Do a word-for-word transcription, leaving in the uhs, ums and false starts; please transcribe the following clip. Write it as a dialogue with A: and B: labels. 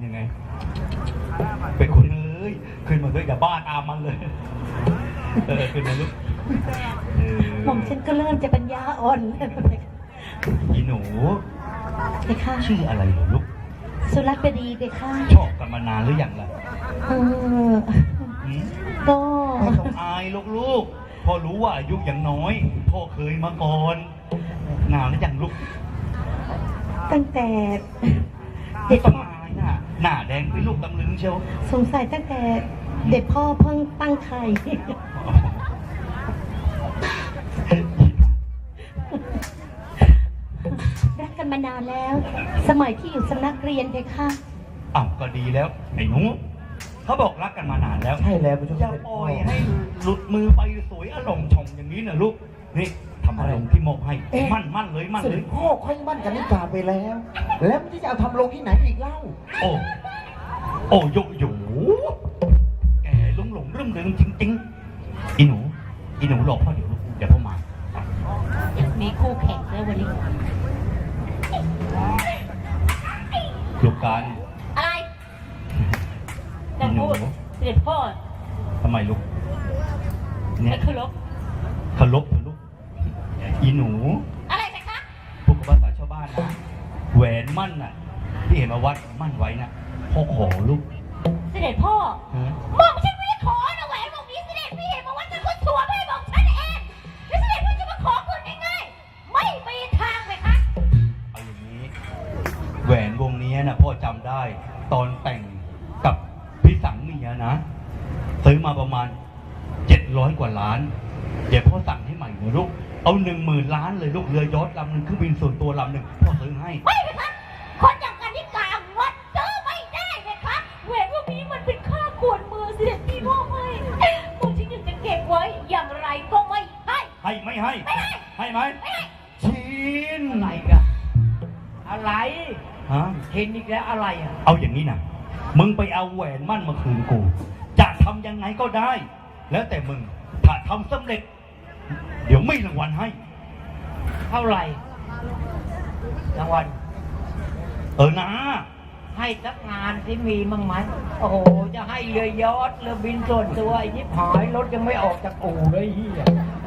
A: ยังไงเป็นคนเอ้ยขึ้นมาด้วยอย่าบ้าตามมันเลยเออขึ้นมาลูก
B: หม่อมฉันก็เริ่มจะปัญญาอ่อน
A: อีหนู
B: เบค่ะ
A: ชื่ออะไรเหรอลูก
B: สุรัตน์บดีเบค่ะ
A: ชอบกันมานานหรือยังล่ะ
B: เออก็
A: ไม่ต้องอายลูกๆพอรู้ว่าอายุยังน้อยพ่อเคยมาก่อนนานแล้วยังลูก
B: ตั้งแต่
A: เด็กพ่อหน้าหน้าแดงเป็นลูกตำลึงเชียว
B: สงสัยตั้งแต่เด็กพ่อเพิ่งตั้งไข่รักกันมานานแล้วสมัยที่อยู่สำนักเรียนเด็กค่ะ
A: อ้าวก็ดีแล้วไอ้หนูเขาบอกรักกันมานานแล้ว
C: ใช่แล้วคุณ
A: อย่าปล่อยให้หลุดมือไปสวยอารมณ์ชมอย่างนี้นะลูกนี่ทำอะไรที่มอบให้มั่นมั่นเลยมั่นเลย
C: พ่อค่อยมั่นกันนิกาไปแล้วแล้วมันจะเอาทำลงที่ไหนอีกเล่า
A: โอ้โอ้ยโย่แกหลงหลงเรื่องเรื่องจริงๆอีหนูอีหนูรอพ่อเดี๋ยวลูกเดี๋ยวพ่อมา
B: มีคู่แข่งแล้ววันนี้
A: ลูกการ
B: อะไรจะพูดเสด็จพ่อ
A: ทำไมลูก
B: เนี่ยเคารพ
A: เคารพลูกอีหนู
B: อะไรสิคะ
A: พวกภาษาชาวบ้านนะแหวนมั่นน่ะที่เห็นมาวัดมั่นไว้น่ะพ่อขอลูก
B: เสด็จพ่อบอกฉันไม่ได้ขอนะแหวนวงนี้เสด็จพี่เห็นมาวัดเป็นคนสัวไม่บอกฉันเองแล้วเสด็จพี่จะมาขอคุณง่ายๆไม่มีทางเลยคะ
A: เอาอย่างนี้แหวนวงนี้น่ะพ่อจำได้ตอนแต่งกับพี่สังเมียนะซื้อมาประมาณเจ็ดร้อยกว่าล้านเดี๋ยวพ่อสั่งให้ใหม่นะลูกเอาหนึ่งหมื่นล้านเลยลูกเรือยอชต์ลำหนึ่งเครื่องบินส่วนตัวลำหนึ่งพ่อซื้อให้
B: ไม่เลยครับคนอย่างกันที่กลางวัดซื้อไม่ได้เลยครับแหวนพวกนี้มันเป็นค่ากวนมือเสด็จพี่พ่อไม่ผมที่จะเก็บไว้อย่างไรก็ไม่ให้
A: ให้ไม่ให้
B: ไม่ให้
A: ให้ไหม
B: ไม่ให้
A: ชิน
C: อะไรกันอะไร
A: ฮะ
C: เห็นอีกแล้วอะไรอ่ะ
A: เอาอย่างนี้นะมึงไปเอาแหวนมั่นมาคืนกูจะทำยังไงก็ได้แล้วแต่มึงถ้าทำสำเร็จเดี๋ยวไม่รางวัลให้
C: เท่าไหร่รางวัล
A: เออนะ
C: ให้สักงานที่มีมั้งไหมโอ้โหจะให้เรือยอชต์เรือบินส่วนตัวไอ้ยิบหายรถยังไม่ออกจากอู่เลยเฮีย